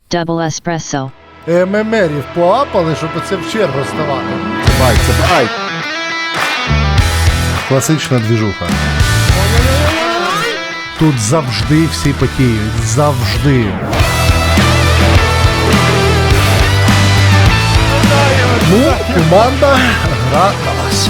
Double espresso. ММРів поапали, щоб оце в чергу ставати. Бай, це бай. Класична двіжуха. Тут завжди всі потіють. Завжди. Ну, команда гра на вас.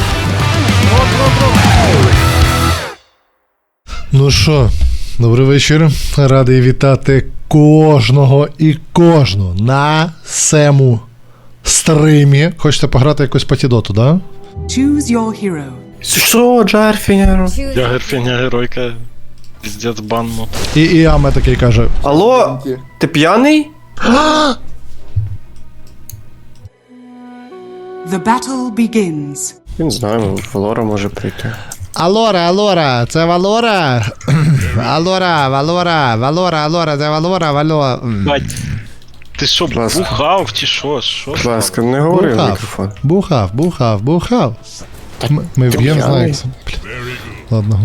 Ну що, добрий вечір. Радий вітати кожного і кожну на сему стримі. Хочете пограти якусь патідоту, да? Choose your hero. Що, Джарфінер? Я герфіня геройка. Піздець банмод. І Аме такий каже: Алло, ти п'яний? The battle begins. Він знає, Валора може прийти. Алора, це Валора. Алора, це Валора. Бать, ти що, ласка. бухав чи що? Що? Будь ласка, не говори в мікрофон. Бухав. Ми вб'ємо з Найкса. Ладно.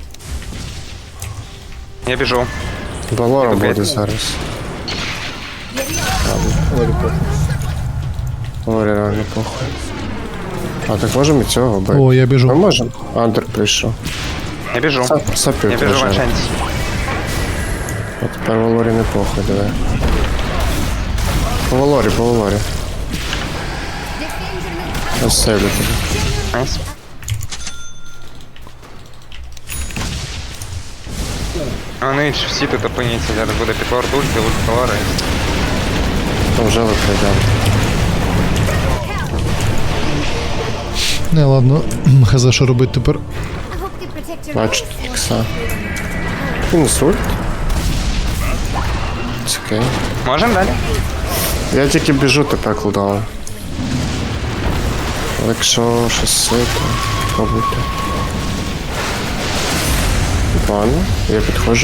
Я біжу. Валора буде зараз. Валорі реально похуй. А так можемо і цього бити? О, я Ми біжу. можемо? Андер прийшов. Я біжу. Сапів Я біжу в лежать. Аншенті. А тепер Валорі не похуй, давай. По Валорі. Я сейвлю тебе. Найс. А вони всі тут опиняться, зараз буде підлор дульки, ульт колори. Там вже виходять. Не, ладно. Хз, що робити тепер? Бачу, ікса. Мінус ульт. Це окей. Можем далі? Я тільки біжу тепер кулдаун. Якщо щось це, то пробуйте. Ладно, я підходжу.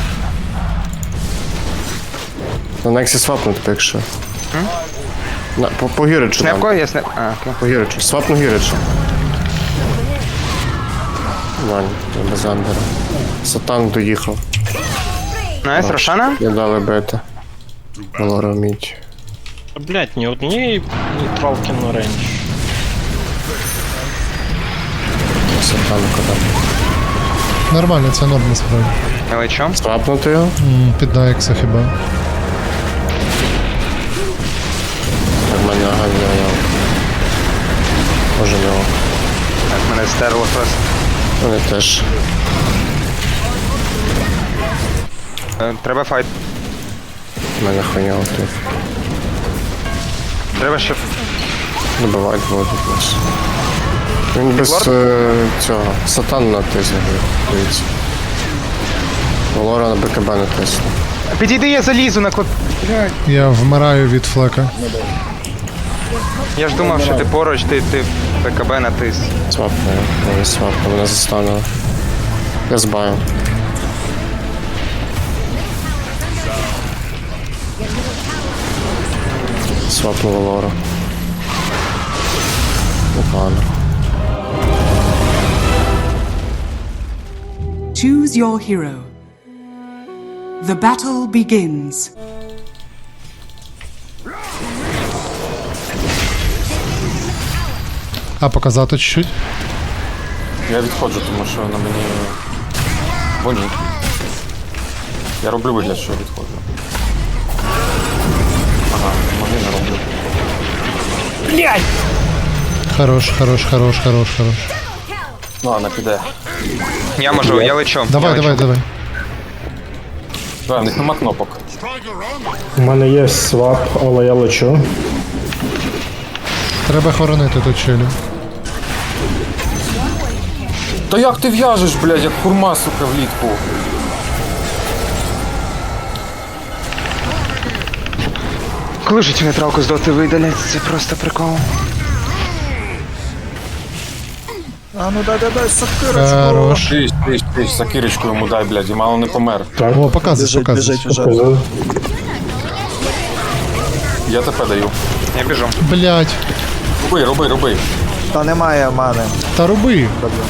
На Нексі свапну тепер, якщо. По Гіричу Снепко? там. Я снеп... А, окей. По Гіричу. Свапну Гіричу. Ладно, я без андера. Сатан доїхав. Найс, Рошана? Я дали бета. Валора вміть. Блять, ні однієї нейтралки на рейндж. Сатан куди. Нормально, це норм насправді. Я лечу. Свапнути його. Під Найкса хіба. В мене ганяє. Може нього. Так, мене стерло просто. Вони теж. Треба файт. В мене хуйня тут. Треба ще... Добивають воду плюс. Він без цього. Сатан натисне, дивіться. Валора на БКБ натисне. Підійди, я залізу на код. Я вмираю від флека. Я ж думав, що ти поруч, ти ПКБ натис. Свапне, вони свапне, мене застанули. Я збаю. Свапну Валору. Погано. Choose your hero. The battle begins. А показати чуть-чуть? Я відходжу, тому що на мені болить. Я роблю вигляд, що відходжу. Ага, може не роблю. Хорош. Ну, вона піде. Я можу, я лечу. Давай. Давай, в них нема кнопок. У мене є свап, але я лечу. Треба хоронити тут челю. Та як ти в'яжеш, блядь, як хурма, сука, влітку? Коли ж цю нейтралку з доти видалять, це просто прикол. Хорош. Ти, сакирочку йому дай, блядь, і мало не помер. О, показуй. Показав. Я тебе даю. Я біжу. Блять. Роби. Та роби.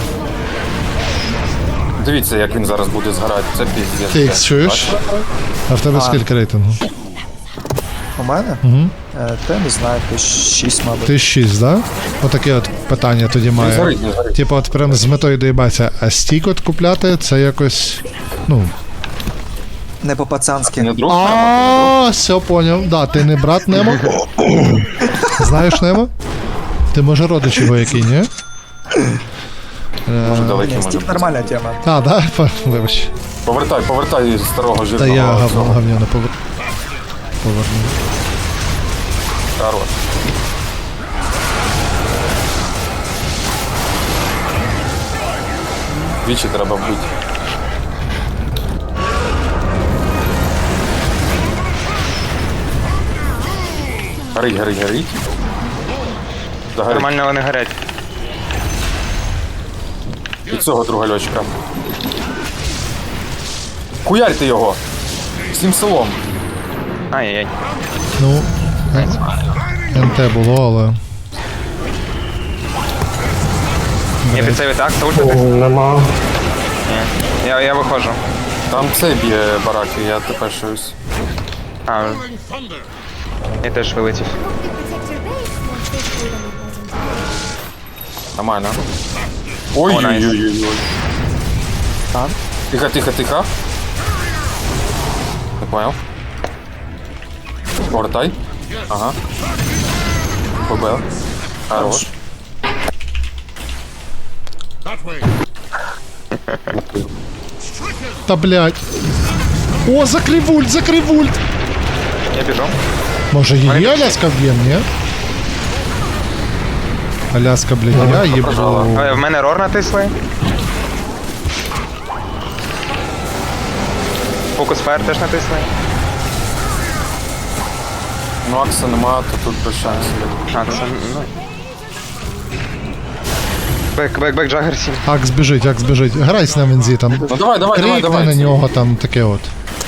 Дивіться, як він зараз буде згорати. Це піздець. Кейкс, чуєш? А в тебе скільки рейтингу? У мене? Угу. Та не знаю, 6, мабуть. Ти 6, да? Отаке от питання тоді Не має. згорить, не згорить. Типу, от прям з метою доїбатися, а стік от купляти це якось. Ну. Не по-пацанськи. Не друг? А, все поняв. Да, ти не брат Немо? Знаєш Немо? Ти може родич його який, ні? Може далекий, Ні, може стік бути. нормальна тема. А, да? Вибач. Повертай старого Та жирного. я цього. говняно поверну. Хорош. Двічі треба вбити. Горить. Загорить. Нормально вони горять. І цього друга льочка. Хуярьте його! Всім селом. Ай-яй-яй. Ну, НТ було, але. Я під це так, ультити? Нема. Ні. Я виходжу. Там це б'є бараки, я тепер щось. А, я теж вилетів. Нормально. О, найс. Ой-ой-ой-ой. Тихо. Не понял. Повертай. Ага. Побил. Хорош. Та блядь. О, закрив ульт! Я біжу. Може її Аляска вб'єм, ні? Аляска, блядь, я їбу. В мене рор натисли. Фокус фаєр теж натисли. Ну, Акса нема, то тут без шансів. А, це, ну. Бек, Джаггер 7. Акс біжить. Грайся на вензі там. Ну давай. Крикни на нього там таке от.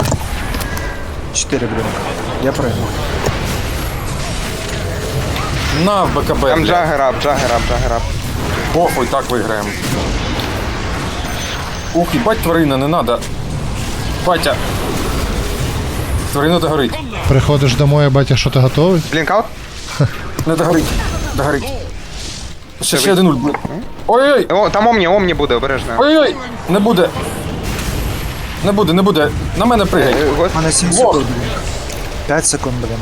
4 блінка. Я прийму. На, в БКБ. Там блядь. Джаггер ап. Похуй, так виграємо. Ух, їбать тварина, не надо. Батя. Тварина догорить. Приходиш домой, батя, що ти готовий? Блінкаут? Не догорить. Ще один ульт. блін. Ой-ой! О, там Омні буде, обережно. Ой-ой! Не буде. На мене пригай. У мене 7 секунд, блін. 5 секунд, блін.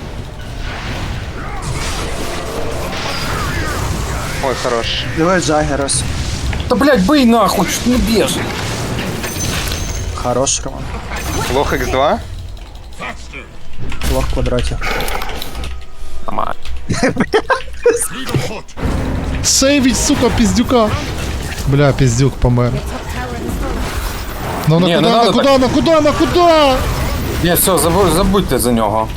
Ой, хорош. Давай Джагерос. Та блядь, бий нахуй, що ти не б'єш? Хорош, Роман. Лох X2. Лох в квадраті. Нормально. Сейвіть, сука, піздюка. Бля, піздюк помер. Ну Ні, не надо на куда? Ні, все, забудьте за нього.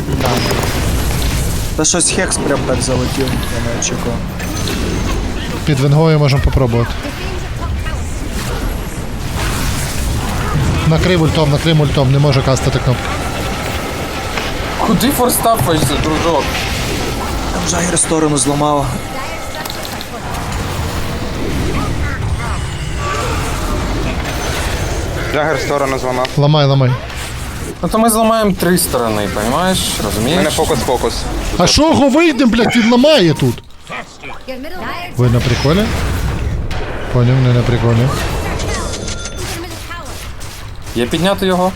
Та щось Хекс прям так залетів, я не очікував. Під венгою можемо попробувати. Накрив ультом, не може кастати кнопки. Куди форстафаєшся, дружок? Там Джагер сторону зламав. Джаггер в сторону зламав. Ламай. Ну то ми зламаємо 3 сторони, розумієш? У Розумієш? мене фокус. А що його вийдем, блядь, він ламає тут? Ви на приколі? Поняв, не на приколі. Є підняти його?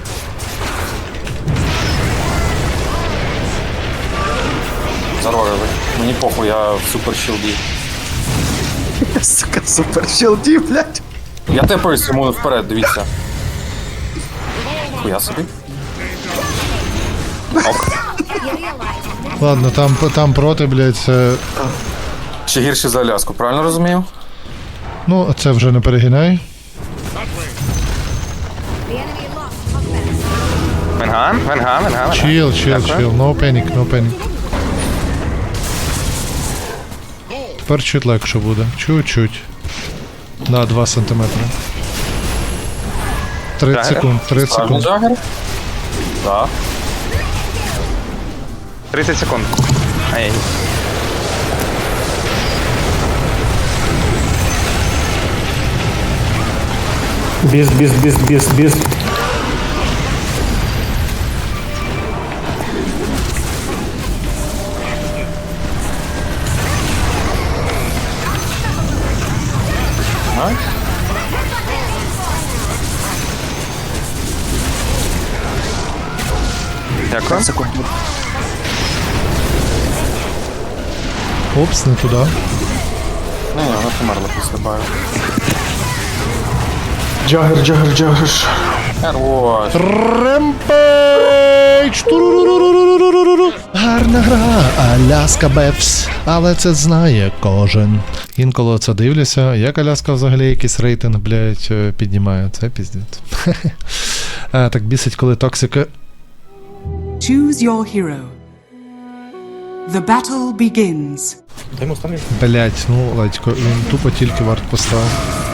Зарорили. Мені похуй, я в супер щілді. Сука, супер щелді, блядь. Я тепаюсь йому вперед, дивіться. Хуя собі. Ладно, там проти, блядь, це... Ще гірше за Аляску, правильно розумію? Ну, це вже не перегинай. Венган. Chill. No panic. Тепер чуть легше буде. Чуть-чуть. Да, 2 сантиметри. 30 секунд, 30 Правильно, секунд. Джаггер? Так. 30 секунд. Ай. Біс. Дякую. Секунду. Опс, не туди. Ні, вона померла після баю. Джагер. Хорош. Ремпейдж! Туруруруруруруруру. Гарна гра, Аляска Бефс. Але це знає кожен. Інколи це дивлюся, як Аляска взагалі якийсь рейтинг, блядь, піднімає. Це піздець. Так бісить, коли токсика. Choose your hero. The battle begins. Блядь, ну, Ладько, він тупо тільки варт поставив.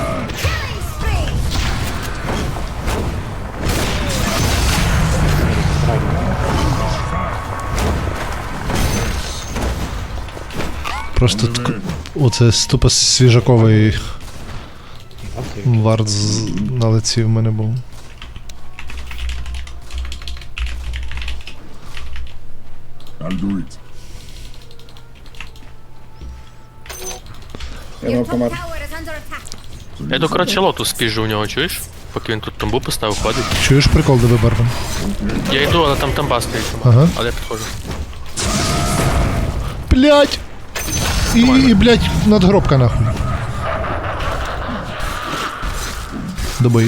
Просто оце тупо свіжаковий варт на лиці в мене був. Я до коротше лоту спіжу у нього, чуєш? Поки він тут тамбу поставив, ходить. Чуєш прикол, де Барбан? Я йду, але там тамба стоїть. Ага. Але я підходжу. Блять! І блять, надгробка нахуй. Добий.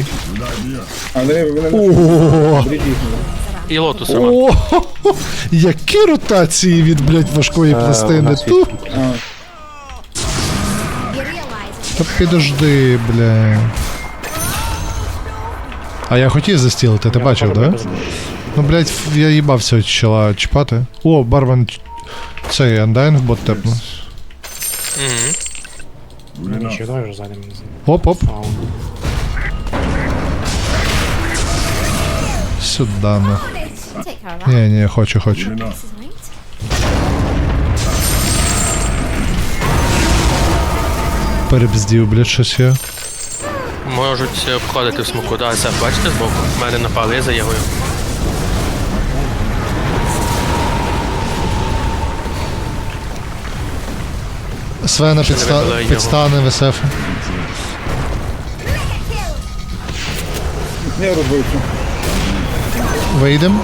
О, І лотус Роман. о, які ротації від, блять, важкої пластини. Ту. Та підожди, бля. А я хотів застілити, ти бачив, да? Ну, блять, я їбав цього чола чіпати. О, Барван, цей Undying бот тепнув. Оп-оп. Сюда, на. Не, хочу. Перебздів, блядь, щось я. Можуть обходити в смоку. Да, це бачите збоку? В мене напали, я заягую. Свена вибили його. підстане в СФ. Вийдем.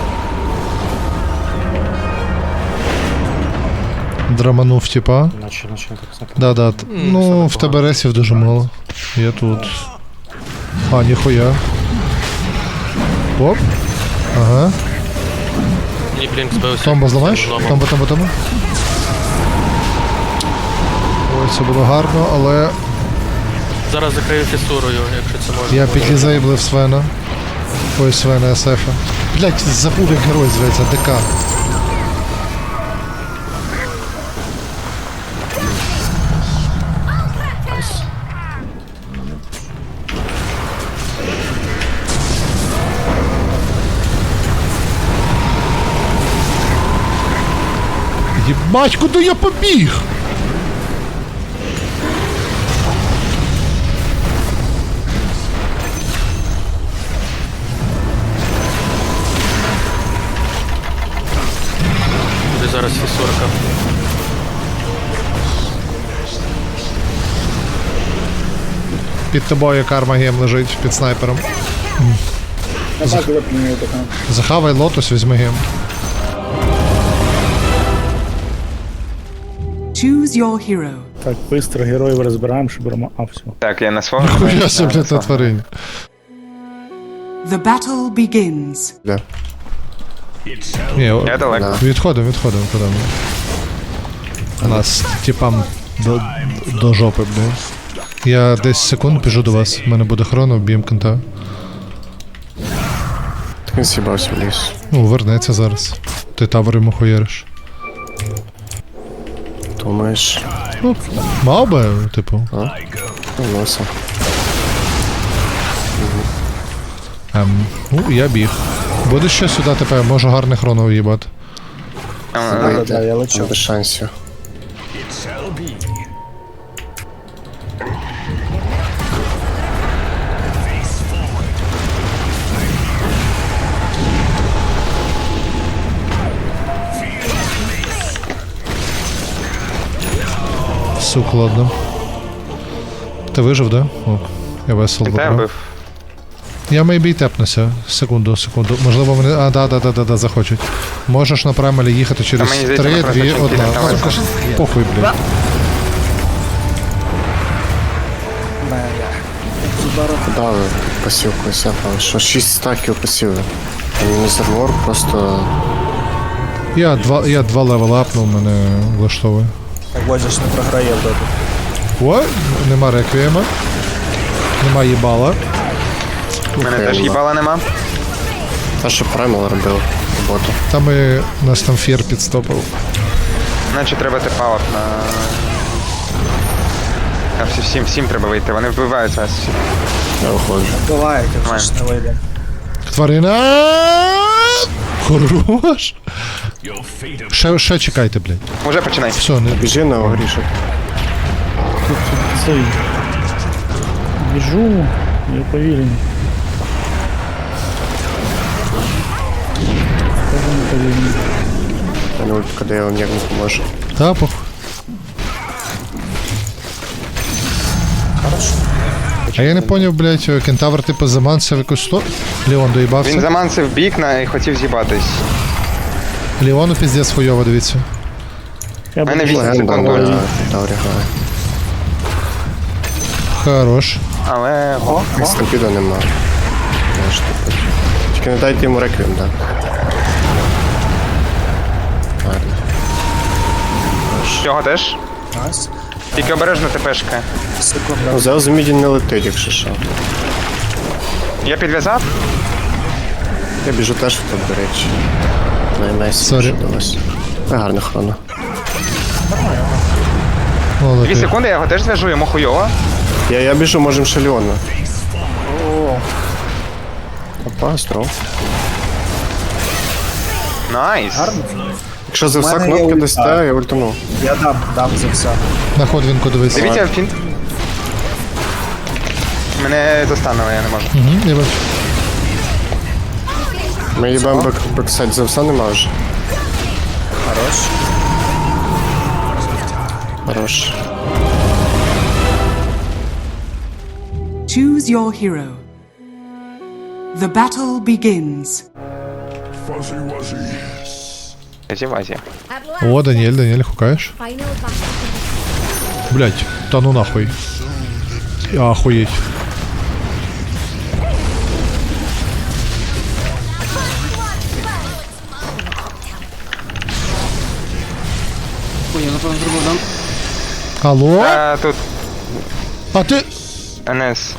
Драманув, типа. Да. Ну, в тебе ресів дуже мало. Я тут. А, ніхуя. Оп. Ага. Мені блінк збився. Томбо зламаєш? Зламав. Томбо. Ой, це було гарно, але Зараз закрию фісурою, якщо це можна. я підлізейблив Свена. Ой, Свена СФ. Блять, забув, як герой зветься, ДК. Єбать, куди я побіг? Буде зараз фісурка. Під тобою карма гем лежить під снайпером. Захавай лотос, візьми гем. Choose your hero. Так, быстро героїв розбираємо, щоб беремо. А, все. Так, я на свого. Хуя собі на тваринь. The battle begins. Ні, Я далеко. відходимо, куди ми. У нас типам до жопи, блін. Я 10 секунд біжу до вас. У мене буде хроно, б'єм кента. Так він з'їбався в ліс. Ну, вернеться зараз. Ти тавер йому хуєриш. Думаєш? Мав би, типу. Носа. Ну, я біг. Буде ще сюди тепер, можу гарний хроно уїбати. Я лечу. Без шансів. Сук, ладно. Ти вижив, да? О, я весело Та я добре. бив. Я мейбі тепнуся. Секунду. Можливо, вони. А, да, захочуть. Можеш на праймалі їхати через Та мені здається, 3, ми 2, просто 1. чемпіони ставимо. Похуй, блядь. Куда ви пасівку сяпали? Що 6 стаків пасіви? Там мізервор просто... Я два левела апнув, мене влаштовує. Так Бодя ж не програє в доту. О, нема реквієма. Нема їбала. У мене теж їбала нема. Та, що Праймал робив роботу. Там і нас там фір підстопив. Наче треба тепалок на... Всім треба вийти, вони вбивають вас всі. Я виходжу. Буває, як вже ж не вийде. Тварина! Хорош! Ще чекайте, блядь. Уже починай. Все, не Біжи на огрішок. Цей. Біжу, я повільний. Скажу не повільний. Я не ультка, де я вам ніяк не поможу. тапок. А я не поняв, блядь, кентавр типу заманцев якусь сто. Леон Він доїбався. замансив бік і хотів з'їбатись. Леону піздець хуйово, дивіться. Я У мене буду 8 Легенда секунд на ульт. Таврі грає. Ну, Хорош. Але... Стампіда нема. Знаєш, типу. Тільки не дайте йому реквієм, так. Ладно. Його теж? Найс. Тільки обережно ТПшка. Секунда. Ну, Зеус міді не летить, якщо що. Я підв'язав? Я біжу теж в топ, до речі. Найс Сорі. вдалося. Гарна хрона. 2 Молодець. секунди, я його теж зв'яжу, йому хуйово. Я біжу, можем ще Леона. Опа, здоров. Найс. Якщо за все мене є кнопки ульта. дасте, я ультану. Я дам за все. На ходвінку дивись. Дивіться, фінт. Мене застануло, я не можу. Угу, я бачу. Ми їбемо бексайд за все нема вже. Хорош. Хорош. Choose your hero. The battle begins. Зівазі. О, Даніель, хукаєш? Блять, та ну нахуй. Охуєть. Алло? Тут А ти... НС.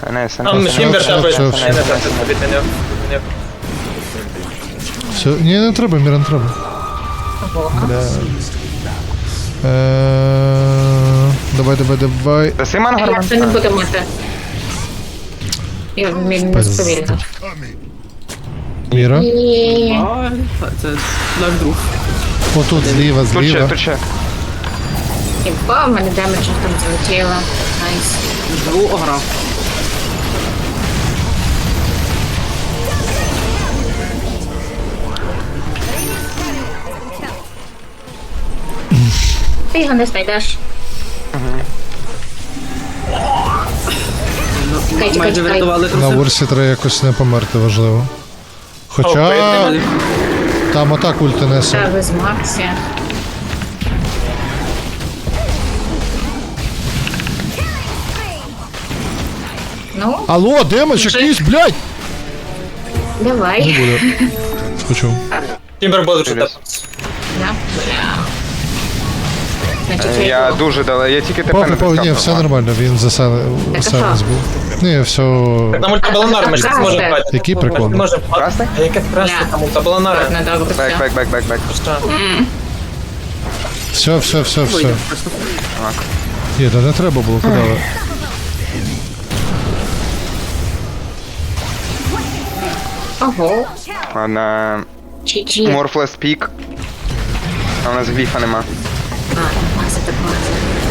Все, ні, не треба, Міра, не треба. Бля. Давай. Даси мангар? Як це не буде мати? Я не сповільно. Міра. І... Отут зліва. Тут ще. Хіба в мене демеджа там злетіло. Найс. Ти його не знайдеш. Чекай. На Урсі треба якось не померти, важливо. Хоча... Там отак ульти несе. Та ви з Максі. Ну, Алло, демедж якийсь, блядь! Не давай. буде. Почув. Да. Значить, Я йду. дуже дала, я тільки ТП не Ні, все тискав. нормально, він засанець був. Ні, все... Там ультабалонар, ми ж не зможемо брати. Який прикол? Красний? Ладно, добре, все. Бек. Все. Ні, та не треба було, куди ви? Ого. Ладно, Чи. Морфлес пік. А у нас гліфа нема. Макса так Макса.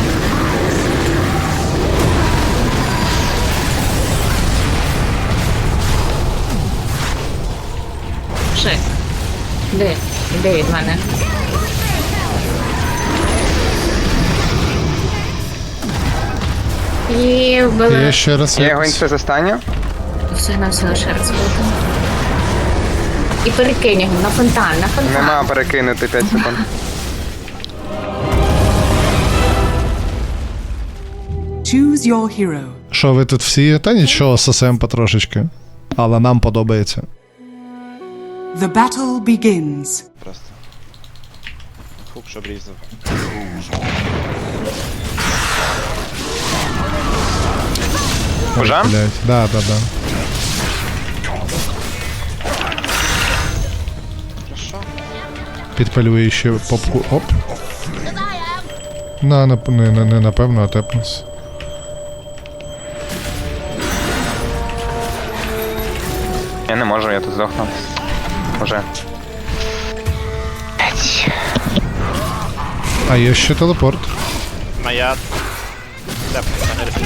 Шесть. Де від мене? І вбили. Я ще раз Я його якось... інфе застаню. Все на все лише раз бути. І перекинь його на фонтан, на фонтан. Нема перекинути 5 секунд. Choose your hero. Що ви тут всі? Та нічого, сосем потрошечки. Але нам подобається. The battle begins. Хук, щоб різав. Уже? Блять, да. Підпалює ще попку. Оп. Не напевно, а тепнус. Я не можу, я тут здохну. Уже. А є ще телепорт. Моя... Теп, мене рефіль.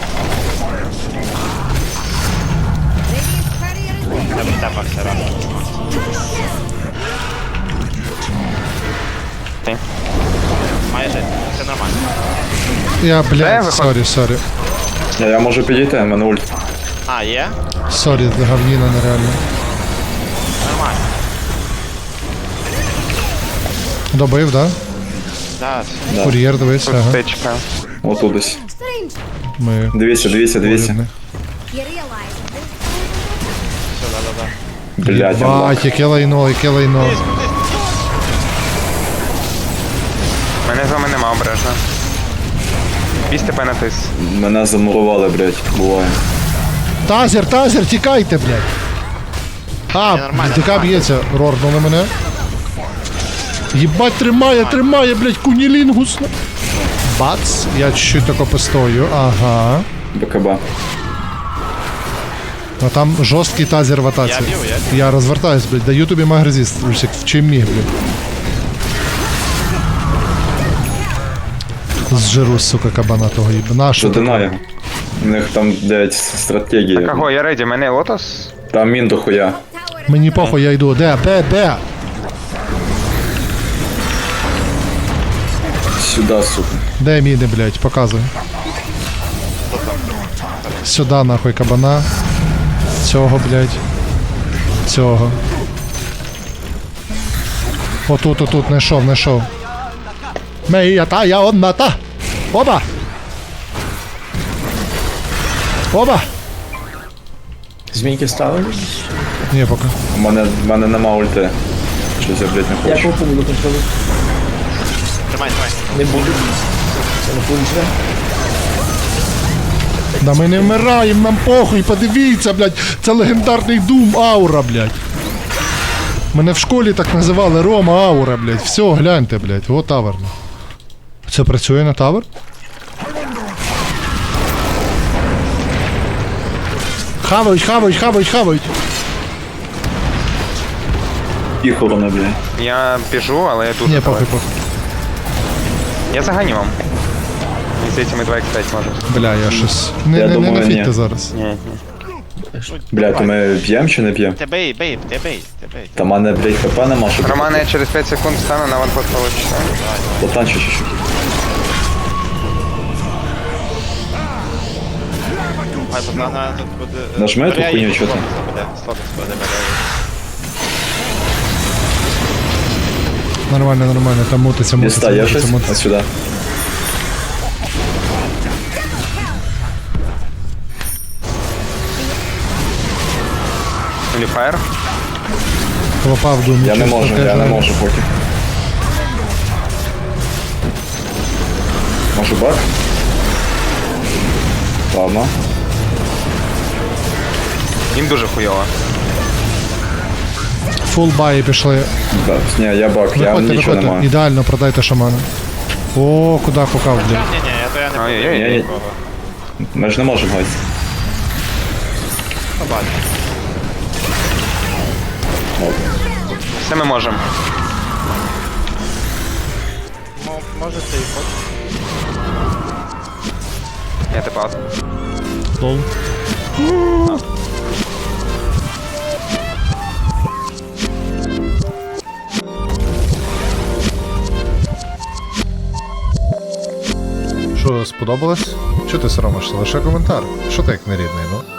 Тепався рано. Ти? Майже, все нормально. Я, Де блядь, виходить? сорі. Я можу підійти, в мене ульт. А, є? Сорі, говніна нереально. Нормально. Добив, да? Да, Кур'єр, дивись, Тут ага. тичка. Отут десь. Ми... Дивіться. Урядні. все, да. Блять, Бать, яке лайно. Мене з вами нема обережно. Бісти пенатис. мене замурували, блять, буває. Тазер, тікайте, блядь. А, нормально, ДК нормально. б'ється, рорнули мене. Єбать, тримає, блядь, кунілінгус. Бац, я чуть-чуть тако постою, ага. БКБ. А там жорсткий тазер в атаці. Я б'ю, Я розвертаюсь, блядь, даю тобі магрезіст, в чим міг, блядь. Зжиру, сука, кабана того їбана. Що ти? Задинає. У них там, блять, стратегія. Кого, я реді, мене лотос? Там мін до хуя. Мені похуй, я йду. Де? Сюда, сука. Де міни, блядь, показуй. Сюда, нахуй, кабана. Цього, блядь. Цього. Отут, знайшов. Мея та, я одна та. Оба! Змійки ставили? Ні, поки. У мене нема ульти. Щось я, блять, не хочу. буду контролювати. Тримай. Не буду. Це не пунче. Да ми не вмираємо, нам похуй, подивіться, блядь. Це легендарний Doom Аура, блядь. Мене в школі так називали Рома Аура, блядь. Все, гляньте, блядь. О, тавер. Це працює на тавер? Хавають. Їхало на, блять. Я біжу, але я тут. Ні, похуй. Я заганю вам. Мені здається, ми 2x5 можемо. Бля, я щось. Я Не думаю, нафітьте ні. зараз. Ні. Блять, то ми б'єм чи не б'єм? Ти бей. Та в мене, блять, хп нема, щоб... Романе, я через 5 секунд встану на ванпост получится. Потанчу чуть-чуть. Хай познана тут буде... Нажми ту хуйню, чого ти? Слотос буде. Нормально, там мутиться. Діста, є щось? Ось сюди. Люфаєр. Попав Doom. Я не можу поки. Можу бак? Ладно. Їм дуже хуйово. Фул баї пішли. Ні, я бак, я нічого не маю. Ідеально продайте шамана. О, куди хукав, блядь. Ні, то я не буду. Ой-ой-ой. Ні, ми ж не можемо гайти. Побачимо. Все ми можемо. Може ти і хочеш. Я типа. Лол. Що, сподобалось? Чого ти соромишся? Лише коментар. Що ти як нерідний, ну?